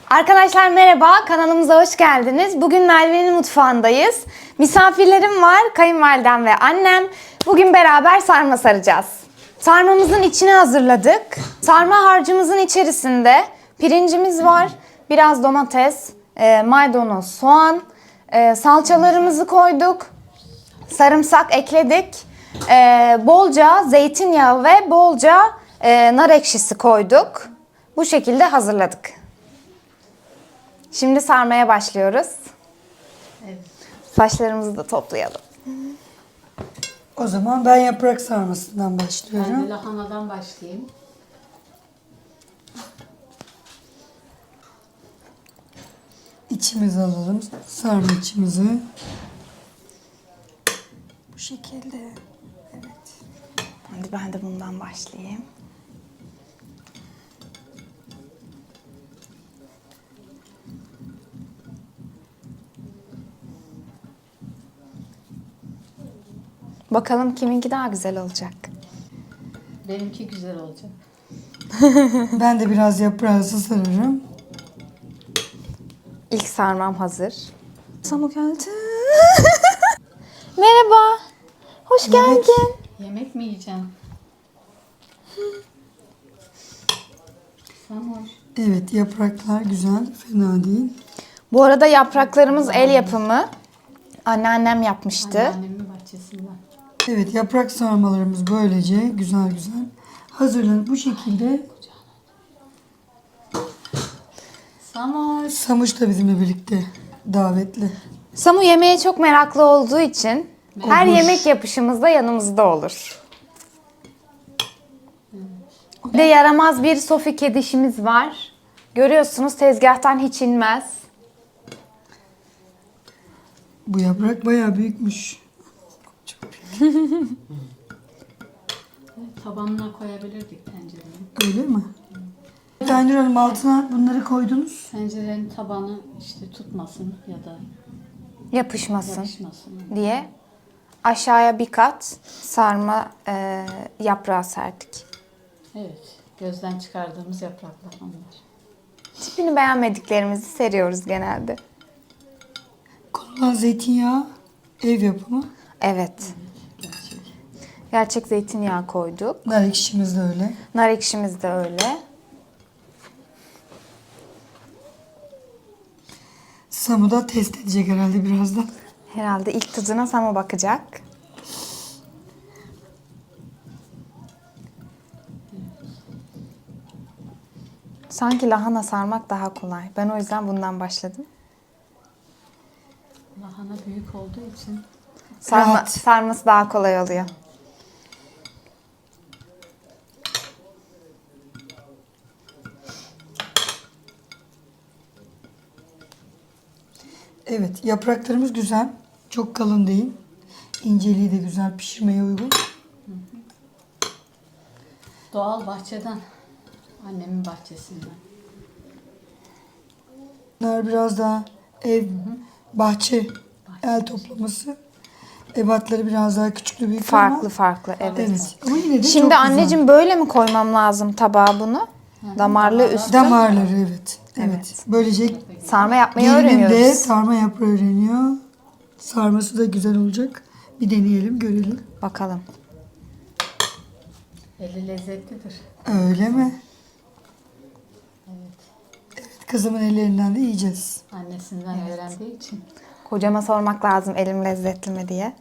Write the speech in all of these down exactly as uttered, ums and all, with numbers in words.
Arkadaşlar merhaba, kanalımıza hoş geldiniz. Bugün Merve'nin mutfağındayız. Misafirlerim var, kayınvalidem ve annem. Bugün beraber sarma saracağız. Sarmamızın içini hazırladık. Sarma harcımızın içerisinde pirincimiz var, biraz domates, e, maydanoz, soğan, e, salçalarımızı koyduk, sarımsak ekledik, e, bolca zeytinyağı ve bolca e, nar ekşisi koyduk. Bu şekilde hazırladık. Şimdi sarmaya başlıyoruz. Evet. Saçlarımızı da toplayalım. O zaman ben yaprak sarmasından Ben başlıyorum. de lahanadan başlayayım. İçimizi alalım. Sarma içimizi. Bu şekilde. Evet. Hadi ben de bundan başlayayım. Bakalım kiminki daha güzel olacak. Benimki güzel olacak. Ben de biraz yaprağı sararım. İlk sarmam hazır. Samu geldi. Merhaba. Hoş Evet. geldin. Yemek mi yiyeceğim? Samoş. Evet, yapraklar güzel. Fena değil. Bu arada yapraklarımız el yapımı. Anneannem yapmıştı. Anneannemin bahçesinden. Evet, yaprak sarmalarımız böylece güzel güzel hazırlanıp bu şekilde. Samoş. Samuş da bizimle birlikte davetli. Samu yemeğe çok meraklı olduğu için her Olur. yemek yapışımızda yanımızda olur. Bir de yaramaz bir Sofi kedişimiz var. Görüyorsunuz tezgahtan hiç inmez. Bu yaprak bayağı büyükmüş. Çok büyük. Evet, tabanına koyabilirdik tencereyi. Öyle mi? Aynur Hanım, altına bunları koydunuz. Tencerenin tabanı işte tutmasın ya da Yapışmasın yapışmasın. diye aşağıya bir kat sarma e, yaprağı serdik. Evet. Gözden çıkardığımız yapraklar onlar. Tipini beğenmediklerimizi seriyoruz genelde. Konulan zeytinyağı ev yapımı. Evet. Gerçek. Gerçek zeytinyağı koyduk. Nar ekşimiz de öyle. Nar ekşimiz de öyle. Samu da test edecek herhalde birazdan. Herhalde ilk tadına Samu bakacak. Sanki lahana sarmak daha kolay. Ben o yüzden bundan başladım. Lahana büyük olduğu için Sarma, Rahat. sarması daha kolay oluyor. Evet, yapraklarımız güzel. Çok kalın değil. İnceliği de güzel, pişirmeye uygun. doğal bahçeden. Annemin bahçesinden. Bunlar biraz daha ev, bahçe, el toplaması. Ebatları biraz daha küçüklü büyük Farklı ama. farklı evet. Evet, ama yine de Şimdi çok anneciğim böyle mi koymam lazım tabağa bunu? Damarlı üstü. güzel. Damarları evet. Evet. Evet. Böylece Sarma yapmayı gelinim de öğreniyoruz. sarma yaprağı öğreniyor. Sarması da güzel olacak. Bir deneyelim, görelim. Bakalım. Eli lezzetlidir. Öyle mi? Evet. Kızımın ellerinden de yiyeceğiz. Annesinden öğrendiği için. Kocama sormak lazım elim lezzetli mi diye.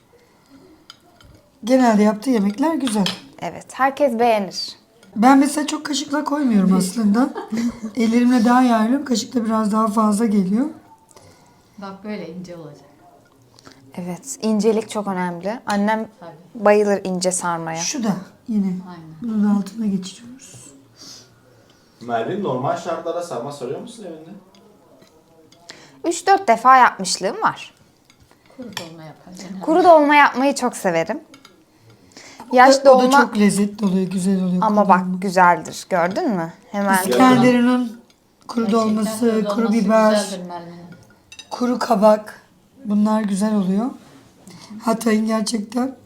Genelde yaptığı yemekler güzel. Evet, herkes beğenir. Ben mesela çok kaşıkla koymuyorum aslında. Ellerimle daha yaylıyorum. Kaşıkla biraz daha fazla geliyor. Bak böyle ince olacak. Evet, incelik çok önemli. Annem Tabii. bayılır ince sarmaya. Şu da yine. Aynen. Bunu da altına geçiriyoruz. Merve, normal şartlarda sarma sarıyor musun evinde? üç dört defa yapmışlığım var. Kuru dolma yapar. genelde. Kuru dolma yapmayı çok severim. Yaş O da dolma çok lezzetli oluyor, güzel oluyor. ama kuru bak dolma. güzeldir. Gördün mü? Hemen İskenderun'un kuru Gerçekten dolması, kuru kuru dolması biber, güzeldir Merve'nin. kuru kabak. Bunlar güzel oluyor. Hatay'ın gerçekten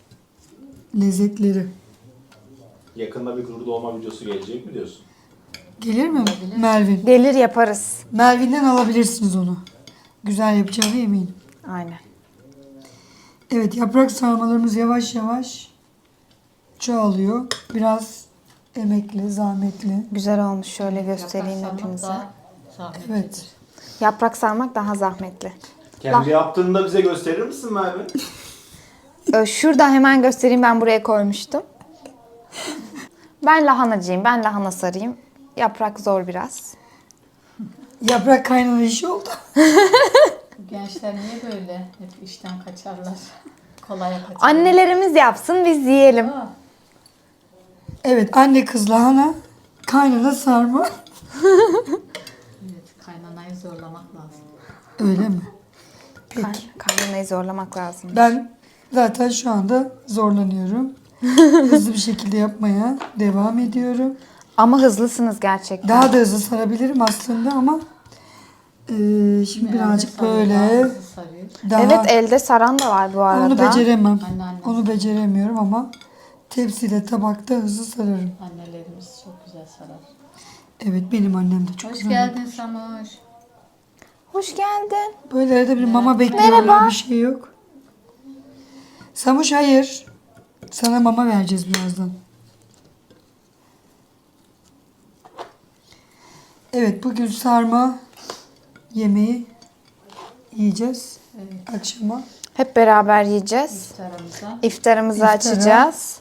lezzetleri. Yakında bir kuru dolma videosu gelecek mi diyorsun? Gelir mi Olabilir. Melvin? Gelir yaparız. Melvin'den alabilirsiniz onu. Güzel yapacağına eminim. Aynen. Evet, yaprak sarmalarımız yavaş yavaş çoğalıyor. Biraz emekli, zahmetli. Güzel olmuş. Şöyle göstereyim Yaprak sarmak hepinize. daha zahmetlidir. Evet. Yaprak sarmak daha zahmetli. Kendi yaptığını da bize gösterir misin Merve? Ee, Şurada hemen göstereyim, ben buraya koymuştum. Ben lahanacıyım. Ben lahana sarayım. Yaprak zor biraz. Yaprak kaynana işi oldu. Bu gençler niye böyle hep işten kaçarlar? Kolaya kaçarlar. Annelerimiz yapsın, biz yiyelim. Aa, Evet, anne kız lahana, kaynana sarma. evet, kaynanayı zorlamak lazım. Öyle mi? Kay- Peki. Kaynanayı zorlamak lazım. Ben zaten şu anda zorlanıyorum. Hızlı bir şekilde yapmaya devam ediyorum. Ama hızlısınız gerçekten. Daha da hızlı sarabilirim aslında ama eee, şimdi birazcık Elde sarıyor, böyle daha hızlı sarıyor. daha Evet, elde saran da var bu arada. onu beceremem. Anneannem. Onu beceremiyorum ama tepsiyle tabakta hızlı sararım. Annelerimiz çok güzel sarar. Evet, benim annem de çok Hoş güzel. geldin Samuş. Hoş geldin. Böyle arada bir mama bekliyorlar, Merhaba. bir şey yok. Samuş hayır. Sana mama vereceğiz birazdan. Evet, bugün sarma yemeği yiyeceğiz Evet, akşama. Hep beraber yiyeceğiz. iftarımıza. İftarımızı İftara. açacağız.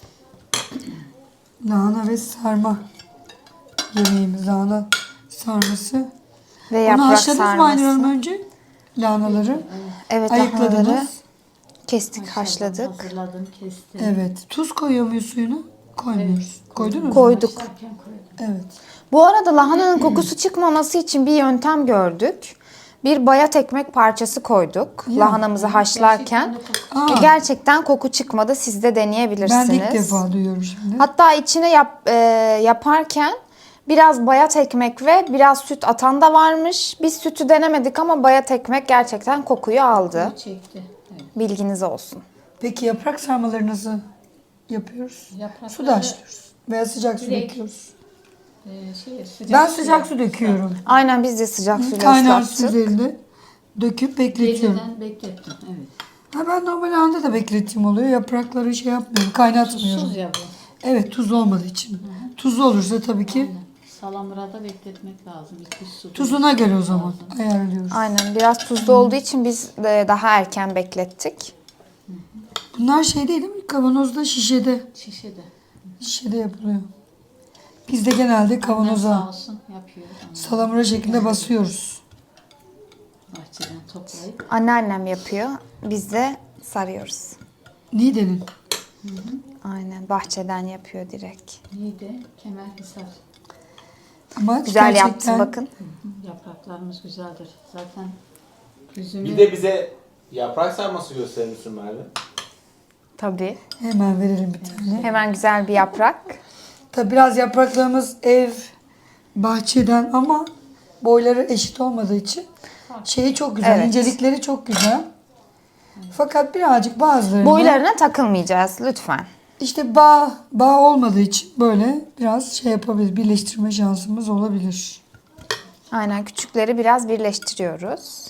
Lahana ve sarma yemeğimiz, lahana sarması. Ve Onu yaprak haşladınız mı Aynur Hanım sarması. önce? Lahanaları. Evet, Ayıkladınız. lahanaları kestik, Haşladım, haşladık. Hazırladım, kestim. Evet. Tuz koyuyor muyuz suyuna? Koymuyoruz. Koydunuz mu? Koyduk. Haşlarken koydum. Evet. Bu arada lahananın kokusu çıkmaması için bir yöntem gördük. Bir bayat ekmek parçası koyduk Ya. lahanamızı haşlarken. Gerçekten de Aa, Gerçekten koku çıkmadı. Siz de deneyebilirsiniz. ben de ilk defa duyuyorum şimdi. Hatta içine yap, e, yaparken biraz bayat ekmek ve biraz süt atan da varmış. Biz sütü denemedik ama bayat ekmek gerçekten kokuyu aldı. koku çekti. Evet. Bilginiz olsun. Peki yaprak sarmaları nasıl yapıyoruz? Yaprakları, Suda haşlıyoruz. Veya sıcak su Direkt döküyoruz. e, şey, sıcak Ben suya- sıcak su döküyorum. Aynen, biz de sıcak suyla Kaynar su ıslattık. üzerinde döküp bekletiyorum. Geceden beklettim. Evet. Ha, ben normal anda da beklettiğim oluyor. Yaprakları şey yapmıyorum, kaynatmıyorum. Tuzsuz ya bu. Evet, tuzlu olmadığı için. Tuzlu olursa tabii ki Aynen. Salamurada bekletmek lazım. İki su. tuzuna göre o zaman ayarlıyoruz. Aynen, biraz tuzlu olduğu için biz de daha erken beklettik. Bunlar şey değil mi? Kavanozda, şişede. Şişede. Şişede yapılıyor. Biz de genelde Annem sağ kavanoza olsun yapıyor. Onu salamura şeklinde basıyoruz. bahçeden toplayıp. Anneannem yapıyor. Biz de sarıyoruz. Niğde'nin. Aynen, bahçeden yapıyor direkt. Neydi? Kemerhisar. Ama Güzel gerçekten yaptı bakın. Yapraklarımız güzeldir. Zaten üzümü Bir de bize yaprak sarması gösterir misin Merve? Tabii. hemen verelim bir tane. Hemen güzel bir yaprak. Tabii biraz yapraklarımız ev, bahçeden ama boyları eşit olmadığı için şeyi çok güzel, Evet. incelikleri çok güzel. Fakat birazcık bazılarında Boylarına takılmayacağız lütfen. işte bağ, bağ olmadığı için böyle biraz şey yapabilir, birleştirme şansımız olabilir. Aynen, küçükleri biraz birleştiriyoruz.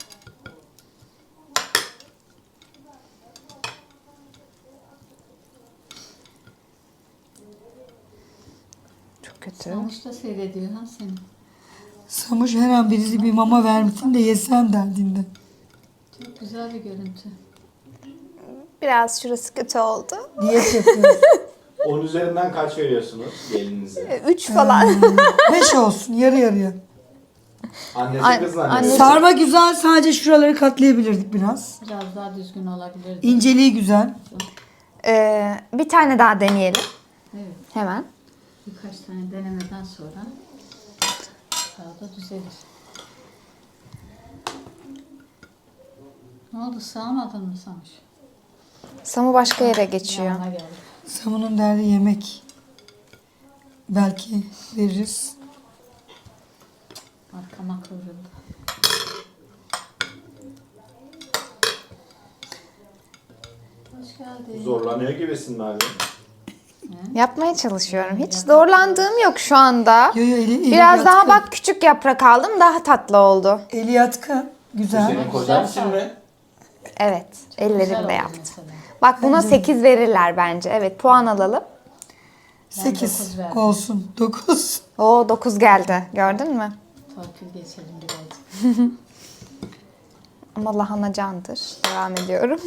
Çok kötü. Samuçta seyrediyor ha seni. Samuş her an birisi bir mama vermişsin de yesem derdinde. Çok güzel bir görüntü. Biraz şurası kötü oldu. Diyet yapıyoruz. On üzerinden kaç veriyorsunuz gelinize? Üç falan. Beş olsun, yarı yarıya. Annesi An- kızla anne- annesi. Sarma güzel, sadece şuraları katlayabilirdik biraz. Biraz daha düzgün olabilirdi. İnceliği güzel. Ee, bir tane daha deneyelim. Evet. Hemen. Birkaç tane denemeden sonra daha da düzelir. Ne oldu? Sığamadın mı Samuş? Samu başka yere geçiyor. Yanına geldi. Samunun derdi yemek. Belki veririz. Arkama kıvrıldı. Hoş geldin. Zorlanıyor gibisin Merve. Yapmaya çalışıyorum. Hiç zorlandığım yok şu anda. Yo, yo, eli, eli Biraz daha yatkın. bak küçük yaprak aldım. Daha tatlı oldu. Eli yatkın. Bu Güzel. senin kocan için mi? Evet. Güzel Ellerimle oldu yaptım. mesela. Bak buna sekiz verirler bence. Evet, puan alalım. sekiz dokuz verdim. olsun. dokuz. Oo, dokuz geldi. Gördün mü? Torpil geçelim birazcık. Ama lahana candır. Devam ediyorum.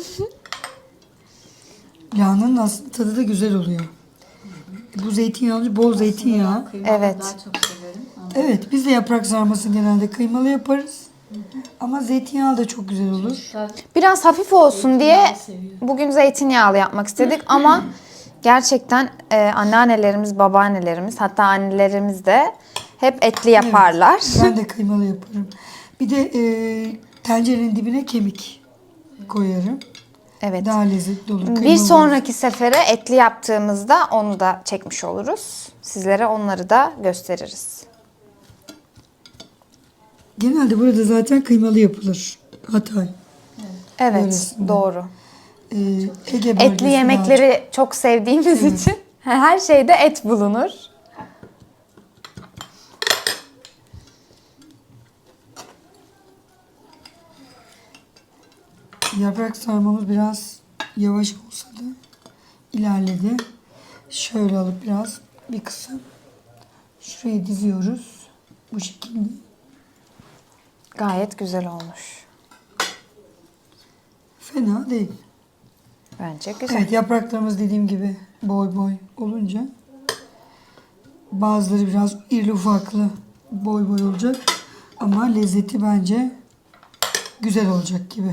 Lahananın aslında tadı da güzel oluyor. Bu zeytinyağlı, bol zeytinyağı. Kıymalı Evet. daha çok severim. Ama Evet, biz de yaprak sarması genelde kıymalı yaparız. Ama zeytinyağı da çok güzel olur. çocuklar Biraz hafif olsun diye zeytinyağlı seviyor. bugün zeytinyağlı yapmak istedik ama gerçekten e, anneannelerimiz, babaannelerimiz, hatta annelerimiz de hep etli yaparlar. Ben de kıymalı yaparım. Bir de e, tencerenin dibine kemik koyarım. Evet. Daha lezzetli olur. Bir kıymalı sonraki sefere etli yaptığımızda onu da çekmiş oluruz. Sizlere onları da gösteririz. Genelde burada zaten kıymalı yapılır. Hatay. Evet, Öylesine. doğru. Ee, Ege bölgesi Etli yemekleri çok sevdiğimiz için her şeyde et bulunur. daha- Yaprak sarmamız biraz yavaş olsa da ilerledi. Şöyle alıp biraz bir kısım şuraya diziyoruz. Bu şekilde. Gayet güzel olmuş. Fena değil. Bence güzel. Evet, yapraklarımız dediğim gibi boy boy olunca bazıları biraz irili ufaklı boy boy olacak ama lezzeti bence güzel olacak gibi.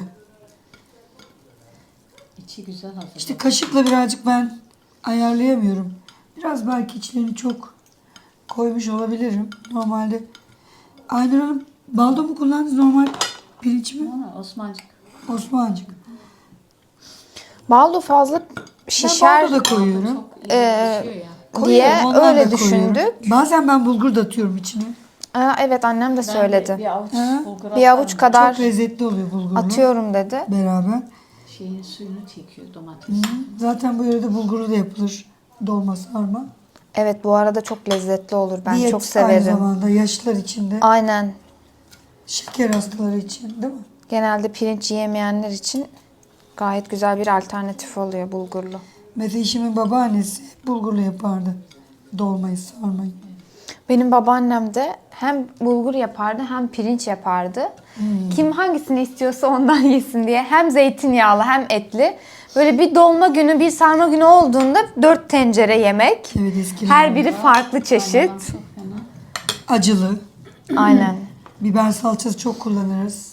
İçi güzel hazır. İşte kaşıkla birazcık ben ayarlayamıyorum. Biraz belki içlerini çok koymuş olabilirim. Normalde Aynur Hanım baldo mu kullandınız, normal pirinç mi? Ama Osmancık. Osmancık. Baldo fazla Ben şişer baldo da koyuyorum. Çok iyi pişiyor ya. diye Koyuyorum, ondan öyle da koyuyorum. düşündük. Bazen ben bulgur da atıyorum içine. Aa, evet, annem de Ben söyledi. de bir avuç Ha? bulgur Bir avuç atarım. kadar Çok lezzetli oluyor bulgurlu. atıyorum dedi. Beraber. Şeyin suyunu çekiyor domates. Zaten bu yörede bulgurlu da yapılır. Dolma, sarma. Evet, bu arada çok lezzetli olur. Ben Diyet çok aynı severim. zamanda yaşlılar için de, Aynen. şeker hastaları için değil mi? Genelde pirinç yiyemeyenler için gayet güzel bir alternatif oluyor bulgurlu. Mesela eşimin babaannesi bulgurlu yapardı. Dolmayı, sarmayı. Benim babaannem de hem bulgur yapardı hem pirinç yapardı. Kim hangisini istiyorsa ondan yesin diye. Hem zeytinyağlı hem etli. Böyle bir dolma günü, bir sarma günü olduğunda dört tencere yemek. Evet, eskiden. Her biri farklı çeşit. Çok fena. Acılı. Aynen. Biber salçası çok kullanırız.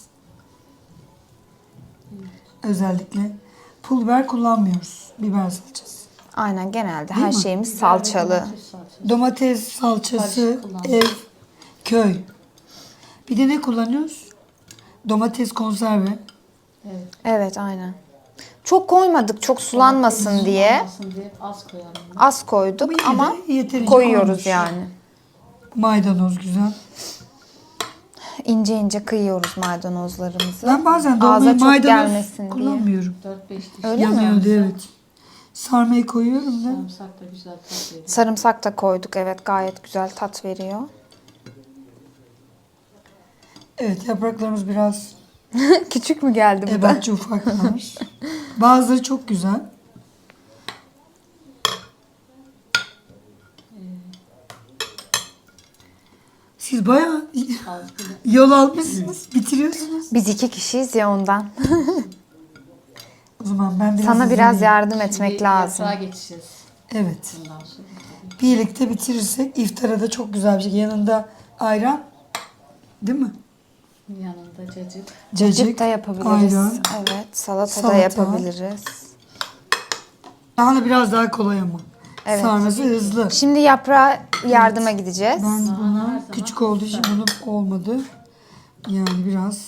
Özellikle. Pul biber kullanmıyoruz. Biber salçası. Aynen, genelde Değil her mi? şeyimiz salçalı. Domates salçası. Domates salçası, Karışık kullanıyoruz. ev, köy. Bir de ne kullanıyoruz? Domates konserve. Evet. Evet, aynen. Çok koymadık, çok sulanmasın diye. Sulanmasın diye az koyalım. Az koyduk yine de ama yeterince koyuyoruz koymuş. yani. Maydanoz güzel. İnce ince kıyıyoruz maydanozlarımızı. Ben bazen Ağza dolmayı çok maydanoz gelmesin diye. kullanmıyorum. dört beş diş. Öyle mi? Yanıyordu, evet. Sarmayı koyuyorum da. Sarımsak da güzel tat veriyor. Sarımsak da koyduk, evet, gayet güzel tat veriyor. Evet, yapraklarımız biraz Küçük mü geldi bu da? ebatçı ufaklar. Bazıları çok güzel. Siz bayağı Az bile. yol almışsınız, bitiriyorsunuz. Biz iki kişiyiz ya ondan. O zaman ben biraz Sana biraz izleyeyim. yardım etmek Şimdi lazım. Yaprağa geçeceğiz. Evet. Bundan sonra. Birlikte bitirirsek iftara da çok güzel bir şey. Yanında ayran, değil mi? Yanında cacık. Cacık da yapabiliriz. ayran. Evet, salata, Salata. da yapabiliriz. Daha da biraz daha kolay ama. Evet. Sarması hızlı. Şimdi yaprağa yardıma gideceğiz. Ben her bunu zaman küçük olduğu için bunu olmadı. Yani biraz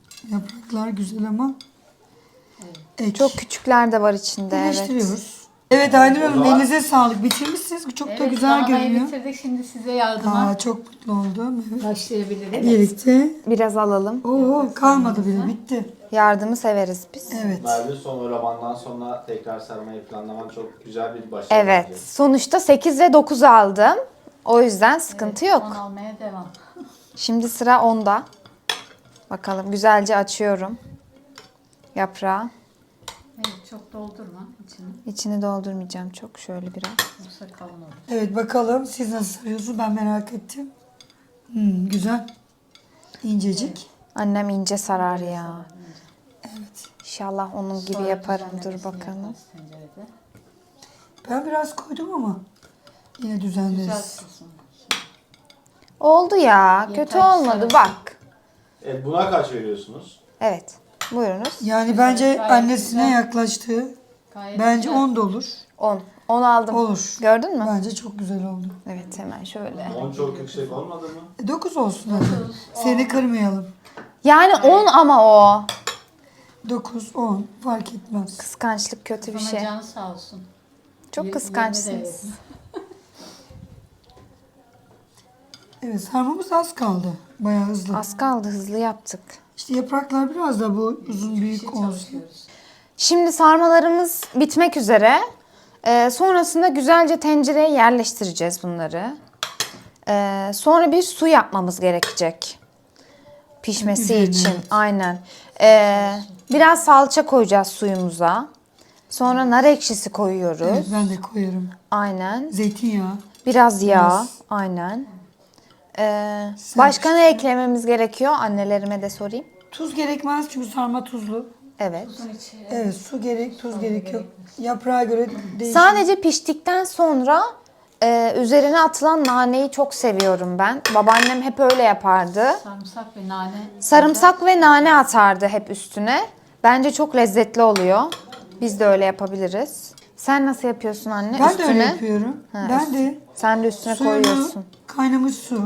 yapraklar güzel ama ek. Çok küçükler de var içinde, evet. Birleştiriyoruz. Evet Aynur O Hanım zaman- elinize sağlık. Bitirmişsiniz. Çok da Evet, güzel lahanayı görünüyor. bitirdik. Şimdi size yardıma Aa, çok mutlu oldum. Evet. başlayabiliriz. Birlikte. Biraz alalım. Oo kalmadı bile bitti. Yardımı severiz biz. Evet. Merve son oylamandan sonra tekrar sarmayı planlaman çok güzel bir başarı. Evet. bence. Sonuçta sekiz ve dokuz aldım. O yüzden sıkıntı Evet, yok. on almaya devam. Şimdi sıra onda. Bakalım güzelce açıyorum yaprağı. Evet, çok doldurma içini. İçini doldurmayacağım çok, şöyle biraz. Yoksa kalın olur. Evet bakalım siz nasıl sarıyorsunuz ben merak ettim. Hmm, güzel. İncecik. Annem ince sarar ya. Evet. İnşallah onun gibi Sonra yaparım. Dur düzenlemesini bakalım. yaparız tencerede. Ben biraz koydum ama yine Güzel düzenleriz. tutsun. Oldu ya. Yeter, Kötü olmadı sarı. bak. Evet, buna kaç veriyorsunuz? Evet. Buyurunuz. Yani bence Gayet annesine güzel. yaklaştı. Gayet Bence güzel. on da olur. on. on aldım. Olur. Gördün mü? Bence çok güzel oldu. Evet, hemen şöyle. on çok yüksek olmadı mı? E, dokuz olsun hadi. Dokuz, Seni kırmayalım. Yani on ama o. dokuz, on fark etmez. Kıskançlık kötü bir Sana şey. canı sağ olsun. Çok Yirmi de kıskançsınız. verin. Evet sarmamız az kaldı. Bayağı hızlı. Az kaldı, hızlı yaptık. İşte yapraklar biraz da bu uzun büyük Şey olsun. çalışıyoruz. Şimdi sarmalarımız bitmek üzere. Ee, sonrasında güzelce tencereye yerleştireceğiz bunları. Ee, sonra bir su yapmamız gerekecek. Pişmesi Üzerine, için. evet. Aynen. Ee, biraz salça koyacağız suyumuza. Sonra nar ekşisi koyuyoruz. Evet ben de koyarım. Aynen. Zeytinyağı. Biraz yağ. Biraz. Aynen. Ee, başka ne eklememiz gerekiyor? Annelerime de sorayım. Tuz gerekmez çünkü sarma tuzlu. Evet. Tuzun içi. Evet su gerek, tuz gerekiyor. Yaprağa göre değişir. Sadece piştikten sonra e, üzerine atılan naneyi çok seviyorum ben. Babaannem hep öyle yapardı. Sarımsak ve nane. Sarımsak ve nane atardı hep üstüne. Bence çok lezzetli oluyor. Biz de öyle yapabiliriz. Sen nasıl yapıyorsun anne? Ben üstüne. de öyle yapıyorum. Ha, ben üst- de Sen de üstüne suyunu, koyuyorsun. kaynamış su.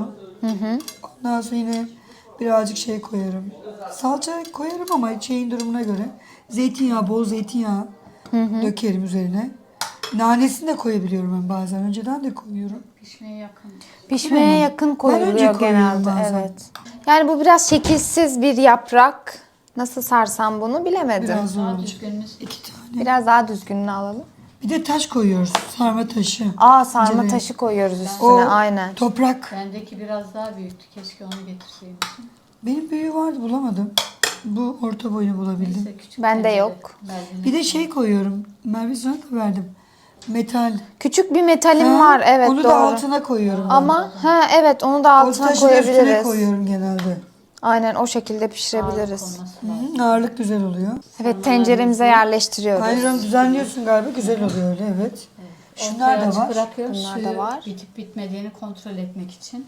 Ondan sonra yine birazcık şey koyarım. Salça koyarım ama şeyin durumuna göre. Zeytinyağı, bol zeytinyağı dökerim üzerine. Nanesini de koyabiliyorum ben bazen. Önceden de koyuyorum. Pişmeye yakın. Pişmeye Değil mi? yakın Ben koyuluyor önce koyuyorum genelde. bazen. Evet. Yani bu biraz şekilsiz bir yaprak. Nasıl sarsam bunu bilemedim. Biraz zor Daha olacak. düzgününüz. İki tane. Biraz daha düzgününü alalım. Bir de taş koyuyoruz. Sarma taşı. Aa, sarma İncele. taşı koyuyoruz üstüne. O aynen. toprak. Bendeki biraz daha büyüktü. Keşke onu getirseymişim. Benim büyüğü vardı bulamadım. Bu orta boyunu bulabildim. Neyse küçük Bende tencere yok. Merve'nin. Bir de şey koyuyorum. Merve sana da verdim. Metal. Küçük bir metalim Ha, var, evet, onu doğru. da altına koyuyorum. ben. Ama ha evet, onu da o altına taşı da üstüne koyabiliriz. koyuyorum genelde. Aynen, o şekilde Ağırlık pişirebiliriz. olması lazım. Hı, ağırlık güzel oluyor. Evet, tenceremize yerleştiriyoruz. Ayran düzenliyorsun galiba. Güzel oluyor öyle evet. Şunlar Ortaya da açık var. Bırakıyorum Bunlar suyu da var. bitip bitmediğini kontrol etmek için.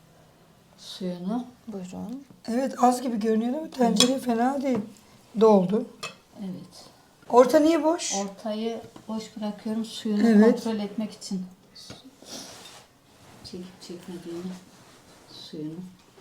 Suyunu. Buyurun. Evet az gibi görünüyor ama tencere fena değil. Doldu. Evet. Orta niye boş? Ortayı boş bırakıyorum suyunu Evet. kontrol etmek için. Çekip çekmediğini suyunu.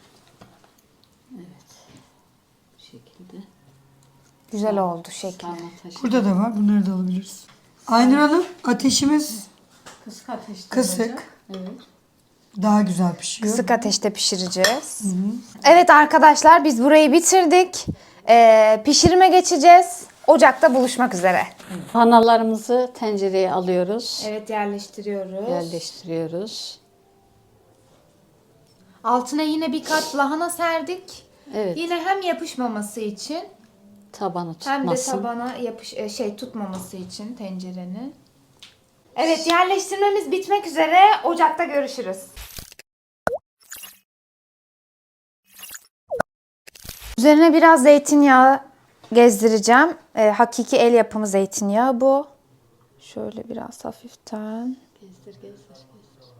Evet. Bu şekilde. Güzel oldu şekli. Sarma taşı. Burada da var. Bunları da alabiliriz. Aynur Hanım ateşimiz Kısık ateşte Kısık. olacak. Evet. daha güzel pişiyor. Kısık ateşte pişireceğiz. Evet arkadaşlar, biz burayı bitirdik. Ee, pişirime geçeceğiz. Ocakta buluşmak üzere. Panalarımızı tencereye alıyoruz. Evet, yerleştiriyoruz. Yerleştiriyoruz. Altına yine bir kat lahana serdik. Evet. Yine hem yapışmaması için Tabanı hem de tutmasın. tabana yapış e, şey tutmaması için tencerenin. Evet, yerleştirmemiz bitmek üzere. Ocakta görüşürüz. Üzerine biraz zeytinyağı gezdireceğim. E, hakiki el yapımı zeytinyağı bu. Şöyle biraz hafiften. Gezdir gezdir gezdir.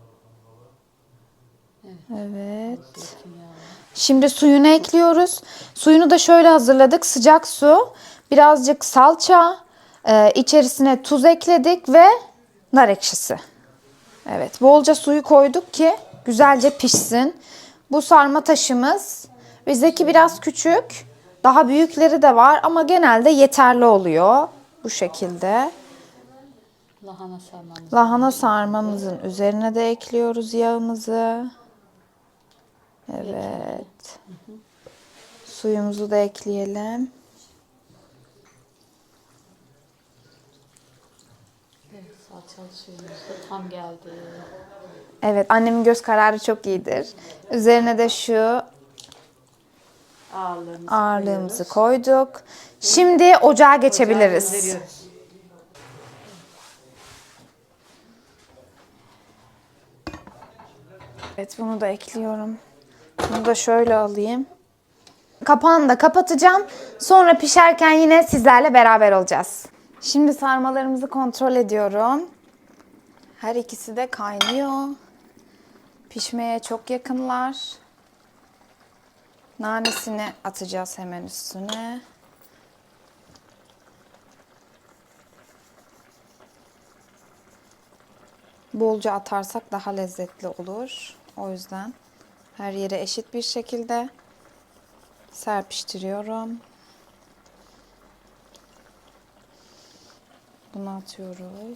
Evet. Zeytinyağı. Şimdi suyunu ekliyoruz. Suyunu da şöyle hazırladık. Sıcak su, birazcık salça, e, içerisine tuz ekledik ve nar ekşisi. Evet, bolca suyu koyduk ki güzelce pişsin. Bu sarma taşımız. Bizdeki biraz küçük. Daha büyükleri de var ama genelde yeterli oluyor. Bu şekilde. Lahana sarmamız. Lahana sarmamızın üzerine de ekliyoruz yağımızı. Evet. Suyumuzu da ekleyelim. Evet, salçalı suyumuz da tam geldi. Evet, annemin göz kararı çok iyidir. Üzerine de şu Ağırlığımızı ağırlığımızı koyuyoruz. koyduk. Şimdi ocağa geçebiliriz. Ocağı gönderiyoruz. Evet, bunu da ekliyorum. Bunu da şöyle alayım. Kapağını da kapatacağım. Sonra pişerken yine sizlerle beraber olacağız. Şimdi sarmalarımızı kontrol ediyorum. Her ikisi de kaynıyor. Pişmeye çok yakınlar. Nanesini atacağız hemen üstüne. Bolca atarsak daha lezzetli olur. O yüzden her yere eşit bir şekilde serpiştiriyorum. Bunu atıyoruz.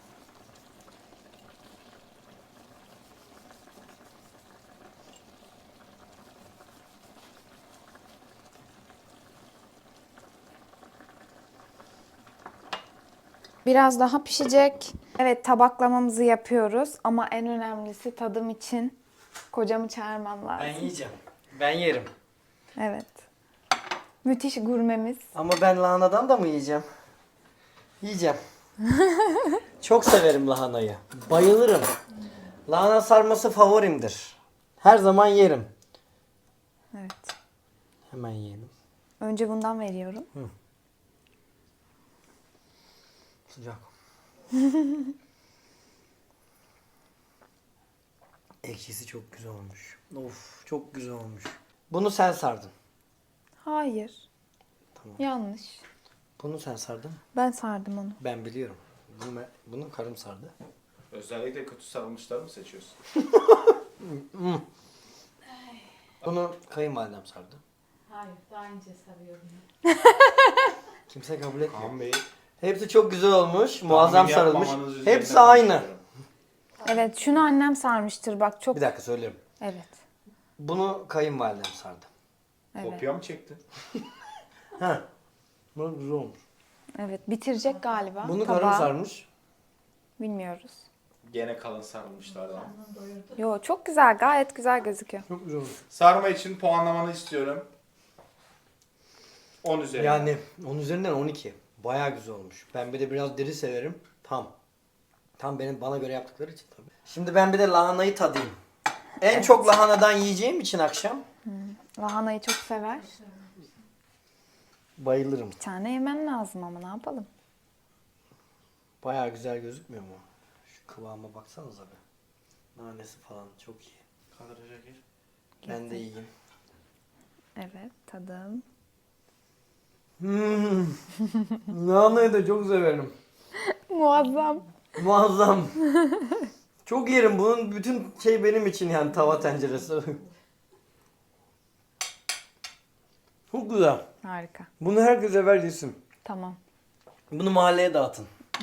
Biraz daha pişecek. Evet, tabaklamamızı yapıyoruz ama en önemlisi tadım için kocamı çağırmam lazım. Ben yiyeceğim. Ben yerim. Evet. Müthiş gurmemiz. Ama ben lahanadan da mı yiyeceğim? Yiyeceğim. Çok severim lahanayı. Bayılırım. Lahana sarması favorimdir. Her zaman yerim. Evet. Hemen yiyelim. Önce bundan veriyorum. Sıcak. Ekşisi çok güzel olmuş. Of, çok güzel olmuş. Bunu sen sardın. Hayır. Tamam. Yanlış. Bunu sen sardın. Ben sardım onu. Ben biliyorum. Bunu, bunu karım sardı. Özellikle kötü sarılmışları mı seçiyorsun? Bunu kayınvalidem sardı. Hayır, daha önce sarıyorum. Kimse kabul etmiyor. Kaan Bey. Hepsi çok güzel olmuş. Muazzam tahmin sarılmış. yapmamanız üzerine Hepsi aynı. konuşuyorum. Evet, şunu annem sarmıştır bak çok. Bir dakika söyleyeyim. Evet. Bunu kayınvalidem sardı. Evet. Kopya mı çektin? Ha. Bu güzel olmuş. Evet, bitirecek galiba. Bunu tabağı. karım sarmış. Bilmiyoruz. Gene kalın sarılmışlardan. Yo, çok güzel, gayet güzel gözüküyor. Çok güzel olmuş. Sarma için puanlamanı istiyorum. on üzerinden. Yani on üzerinden on iki. Bayağı güzel olmuş. Ben bir de biraz diri severim. Tam. Tam benim bana göre yaptıkları için tabii. Şimdi ben bir de lahanayı tadayım. En çok lahanadan yiyeceğim için akşam Lahanayı çok sever. bayılırım. Bir tane yemen lazım ama ne yapalım? Bayağı güzel gözükmüyor mu? Şu kıvama baksanıza be. Nanesi falan çok iyi. Kadraja gir. Ben de yiyeyim. Evet, tadım. Hmm. Lahanayı da çok severim. Muazzam. Muazzam. Çok yerim. Bunun bütün şey benim için yani tava tenceresi. Çok güzel. Harika. Bunu herkese ver yesin. Tamam. Bunu mahalleye dağıtın.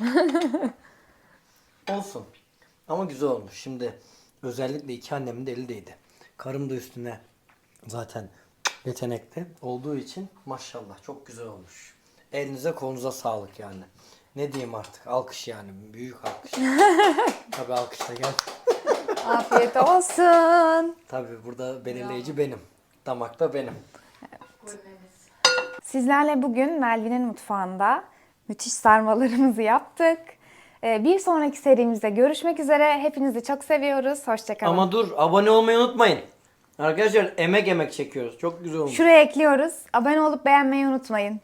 Olsun. Ama güzel olmuş. Şimdi özellikle iki annemin de eli değdi. Karım da üstüne zaten yetenekli olduğu için maşallah çok güzel olmuş. Elinize kolunuza sağlık yani. Ne diyeyim artık? Alkış yani. Büyük alkış. Tabii alkış da gel. Afiyet olsun. Tabii burada belirleyici benim. Damakta benim. Sizlerle bugün Melvin'in mutfağında müthiş sarmalarımızı yaptık. Ee, Bir sonraki serimizde görüşmek üzere. Hepinizi çok seviyoruz. Hoşçakalın. Ama dur, abone olmayı unutmayın. Arkadaşlar emek emek çekiyoruz. Çok güzel olmuş. Şuraya ekliyoruz. Abone olup beğenmeyi unutmayın.